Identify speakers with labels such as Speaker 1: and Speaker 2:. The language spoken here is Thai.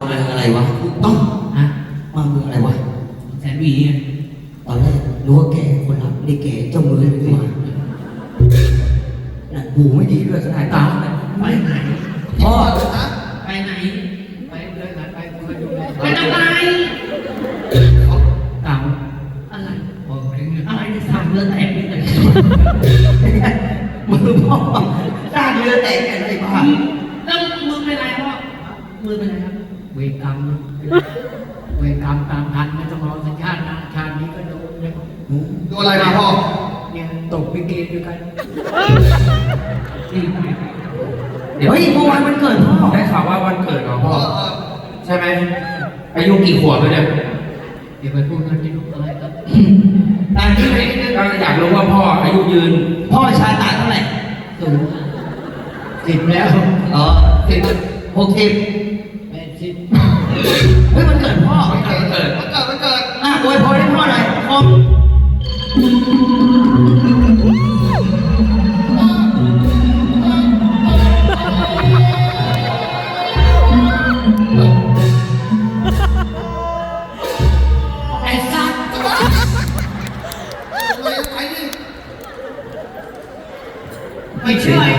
Speaker 1: อะไรวะต้องฮะมามืออะไรวะแสนหวีตอนแรกรู้ว่าแกคนรับได้แกเจ้ามือเลยมาน่ะหูไม่ดีด้วยสายตาไปไหนพ่อไปไหนไปเลยนะไปไปดูเลยไปทำไมเต่าอะไรอะไรที่สร้างเรือแตกนี่เลยมือพ่อสร้างเรือแตกอะไรบ้างแล้วมือเป็นไรพ่อมือเป็นไรครับเวรกรรมเวรกรรมตามทันไม่ต้องรอสัญชาตินะชาตินี้ก็โดนเลย
Speaker 2: โดนอะไรมาพ่อ
Speaker 1: เนี่ยตกไปเกมด้วยกันเดี๋ยวเมื่อวานวันเกิดพ่อ
Speaker 3: ได้ข่าวว่าวันเกิดของพ่อใช่ไหมอายุกี่ขวบแล้วเนี่ย
Speaker 1: เดี๋ยวไปพูดกันที่ลูกอะไรครับตามที่ไหน
Speaker 3: ก็อยากรู้ว่าพ่ออายุยืน
Speaker 1: พ่อชาตาเท่าไหร่สูง10แล้วอ๋อ60 80เฮ้ยมันเกิดพ่อ
Speaker 2: วันเกิด
Speaker 1: อวยพรให้พ่อหน่อยพ่อไอ้สัตว์ไม่ใช่